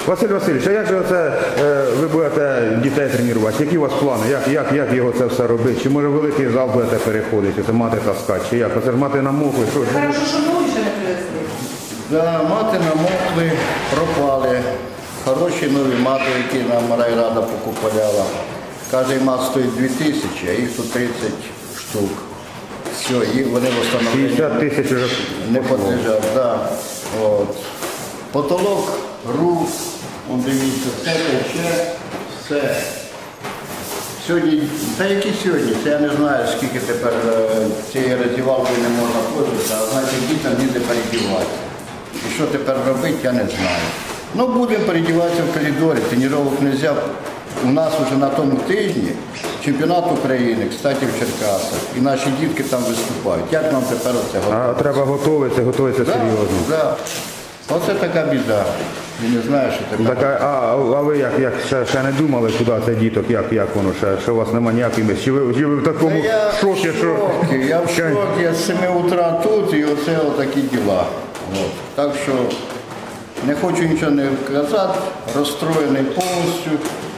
Василь Васильович, а як же це ви будете дітей тренувати? Які у вас плани? Як його це все робити? Чи може великий зал будете переходити, це мати таскати? Чи як? Оце ж мати намокли. Хорошо, що нові ще не привезли. Да, мати намокли, пропали. Хороші нові мати, які нам райрада покупляла. Кожен мат стоїть 2000, а їх тут 30 штук. Все, і вони встановлені 50 тисяч вже не подлежать. Да. От. Потолок, рух, дивіться, все тече, все. Сьогодні, та які сьогодні, це я не знаю, скільки тепер цієї роздівалкою не можна пользуватися, а значить дітям ніде передіватися. І що тепер робити, я не знаю. Ну, будемо передіватися в коридорі, тренувок не можна. У нас вже на тому тижні чемпіонат України, кстати, в Черкасах, і наші дітки там виступають. Як нам тепер оце готувати? А треба готуватися серйозно. Да. Оце така біда. Я не знаю, що тепер. Так, а ви як ще не думали, куди це діток, як воно, що у вас немає ніяких місць? Чи ви в такому шокі, що... Я в шокі, я з 7 утра тут і оце отакі діла. От. Так що не хочу нічого не казати, розстроєний повністю.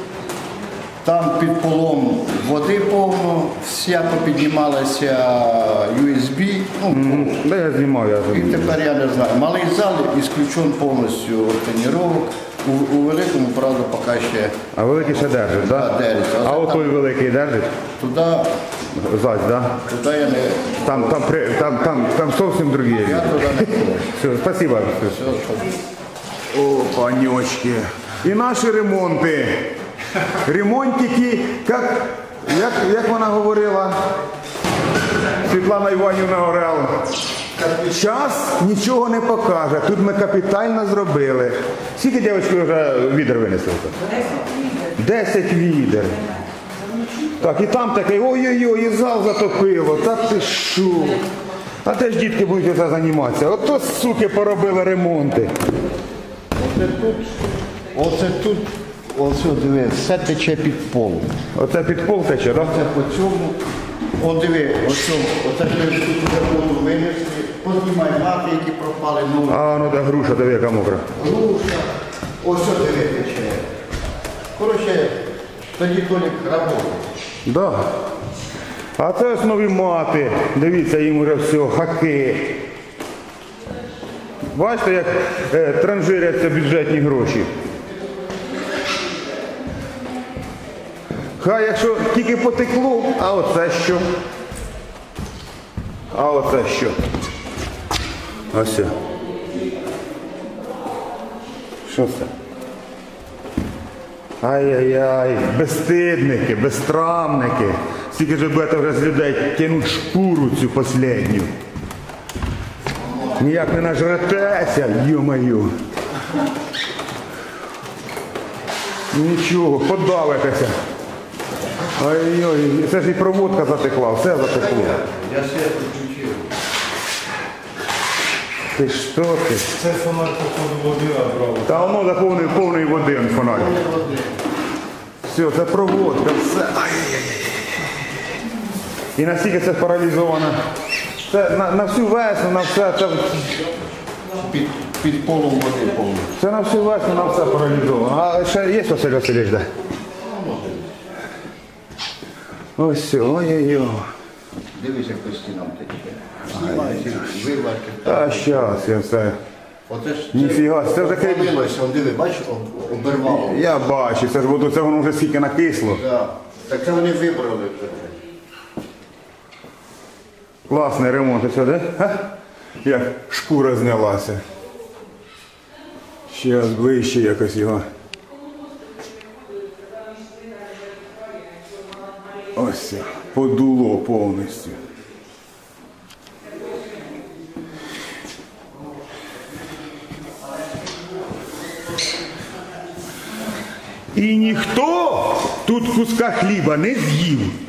Там під полом води повно, вся попіднімалася USB. Да, я знімав, І тепер я не знаю. Малий зал ісключен повністю від тренувок. У великому, правда, поки ще. А великий ще держить, так? Да, держить. А от той великий держить? Туди, Зась, так? туди я не. Там зовсім другі. Я туди не хочу. Все, спасибо. Все, що... О, панечки. І наші ремонти. Ремонтики, як вона говорила, Світлана Іванівна Орел, час нічого не покаже, тут ми капітально зробили. Скільки, дівчатки, вже відер винесли? 10 відер. Так, і там такий, ой-ой-ой, і зал затопило, та ти що? А де ж дітки будуть це займатися? Ото, суки, поробили ремонти. Оце тут, оце диви, все тече під пол. Оце під пол тече, так? Оце по цьому. О, диви, оце тут вже воду винесли. Познімай мати, які пропали. А, ну де груша, диви, яка мокра. Груша. Ось диви тече. Коротше, тоді Толік працює. Да. А це ось нові мати. Дивіться, їм вже все, хаки. Бачите, як транжиряться бюджетні гроші. Хай якщо тільки потекло, а оце що? А оце що? Ось. Що це? Ай-яй-яй, безстидники, безтрамники. Скільки ж будете вже з людей тянуть шкуру цю последню. Ніяк не нажретеся, ё-моё. Нічого, подавитеся. Ой-ой, це ж і проводка затекла, все затекло. Я світ включив. Ти що ти? Це фонарь, походу, води брав. Та воно заповнив повний води фонарь. Все, це проводка, все. Ай-яй-яй. І настільки це паралізовано. Це на всю весну, на все. Це... Під полом води повно. Це на всю весну, на все паралізовано. А ще є Василь Васильович, де? Ось все, ой-ой-ой. Дивись, як по стінам тече. Знімається, виварки. Та щас, я все. Оце ж Ніфіга, це вже крім. обвалилося, диви, бачиш, обірвало. Я бачу, це ж воно, це воно вже скільки накисло. Да. Так це вони вибрали вже. Класний ремонт, ось де? Як шкура знялася. Ще ближче якось його. Ось, подуло повністю. І ніхто тут куска хліба не з'їв.